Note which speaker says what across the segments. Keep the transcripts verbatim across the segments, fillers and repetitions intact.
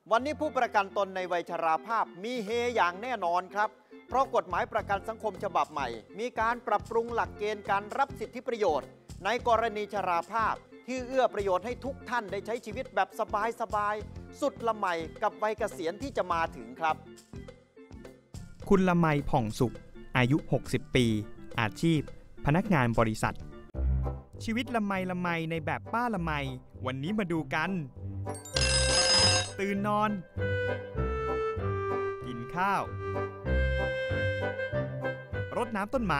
Speaker 1: วันนี้ผู้ประกันตนในวัยชราภาพมีเฮอย่างแน่นอนครับเพราะกฎหมายประกันสังคมฉบับใหม่มีการปรับปรุงหลักเกณฑ์การรับสิทธิประโยชน์ในกรณีชราภาพที่เอื้อประโยชน์ให้ทุกท่านได้ใช้ชีวิตแบบสบายๆสุดละไมกับวัยเกษียณที่จะมาถึงครับ
Speaker 2: คุณละไมผ่องสุขอายุหกสิบปีอาชีพพนักงานบริษัทชีวิตละไมละไมในแบบป้าละไมวันนี้มาดูกันตื่นนอนกินข้าวรดน้ำต้นไม้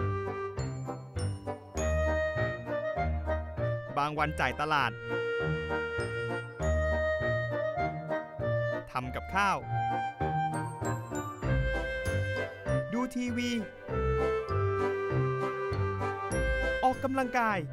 Speaker 2: บางวันจ่ายตลาดทำกับข้าวดูทีวีออกกำลังกาย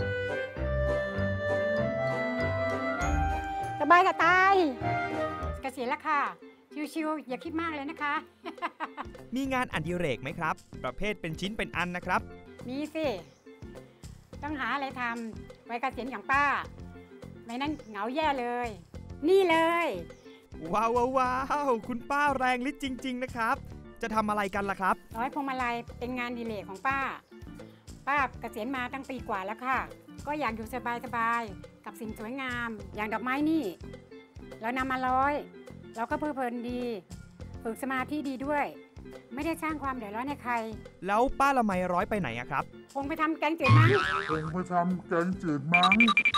Speaker 3: สบายจะตายเกษียณแล้วค่ะชิวๆอย่าคิดมากเลยนะคะ
Speaker 2: มีงานอดิเรกไหมครับประเภทเป็นชิ้นเป็นอันนะครับ
Speaker 3: มีสิต้องหาอะไรทำไว้เกษียณอย่างป้าไม่นั้นเหงาแย่เลยนี่เลย
Speaker 2: ว้าวว้าวคุณป้าแรงฤทธิ์จริงๆนะครับจะทำอะไรกันล่ะครับ
Speaker 3: ร้อยพวงมาลัยเป็นงานอดิเรกของป้าป้าเกษียณมาตั้งปีกว่าแล้วค่ะก็อยากอยู่สบายๆกับสิ่งสวยงามอย่างดอกไม้นี่เรานำมาร้อยเราก็เพลิดเพลินดีฝึกสมาธิดีด้วยไม่ได้สร้างความเดือดร้อนให้ใคร
Speaker 2: แล้วป้าละไมร้อยไปไหนอะครับ
Speaker 3: คงไปทำแกงจืดมั้ง
Speaker 4: คงไปทำแกงจืดมั้ง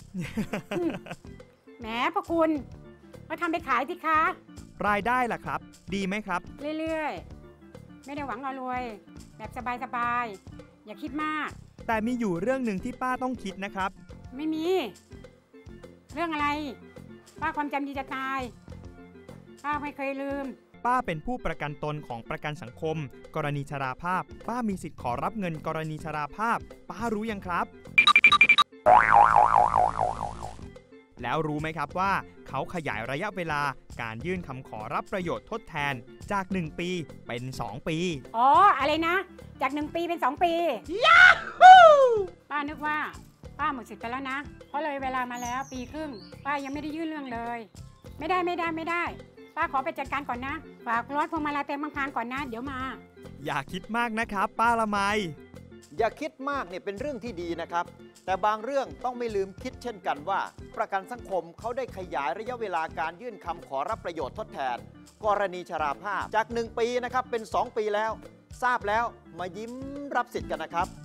Speaker 3: แหมพระคุณก็ทำไปขายสิคะ
Speaker 2: รายได้ล่ะครับดีไหมครับ
Speaker 3: เรื่อยๆไม่ได้หวังรวยแบบสบายๆอย่าคิดมาก
Speaker 2: แต่มีอยู่เรื่องหนึ่งที่ป้าต้องคิดนะครับ
Speaker 3: ไม่มีเรื่องอะไรป้าความจำดีจะตายป้าไม่เคยลืม
Speaker 2: ป้าเป็นผู้ประกันตนของประกันสังคมกรณีชราภาพป้ามีสิทธิ์ขอรับเงินกรณีชราภาพป้ารู้ยังครับแล้วรู้ไหมครับว่าเขาขยายระยะเวลาการยื่นคำขอรับประโยชน์ทดแทนจากหนึ่งปีเป็นสองปี
Speaker 3: อ๋ออะไรนะจากหนึ่งปีเป็นสองปียาฮูป้านึกว่าป้าหมดสิทธิ์ไปแล้วนะเพราะเลยเวลามาแล้วปีครึ่งป้ายังไม่ได้ยื่นเรื่องเลยไม่ได้ไม่ได้ไม่ได้ป้าขอไปจัดการก่อนนะฝากรถพวงมาลัยเต็มบางพานก่อนนะเดี๋ยวมา
Speaker 2: อย่าคิดมากนะครับป้าละไม
Speaker 1: อย่าคิดมากเนี่ยเป็นเรื่องที่ดีนะครับแต่บางเรื่องต้องไม่ลืมคิดเช่นกันว่าประกันสังคมเขาได้ขยายระยะเวลาการยื่นคำขอรับประโยชน์ทดแทนกรณีชราภาพจากหนึ่งปีนะครับเป็นสองปีแล้วทราบแล้วมายิ้มรับสิทธิ์กันนะครับ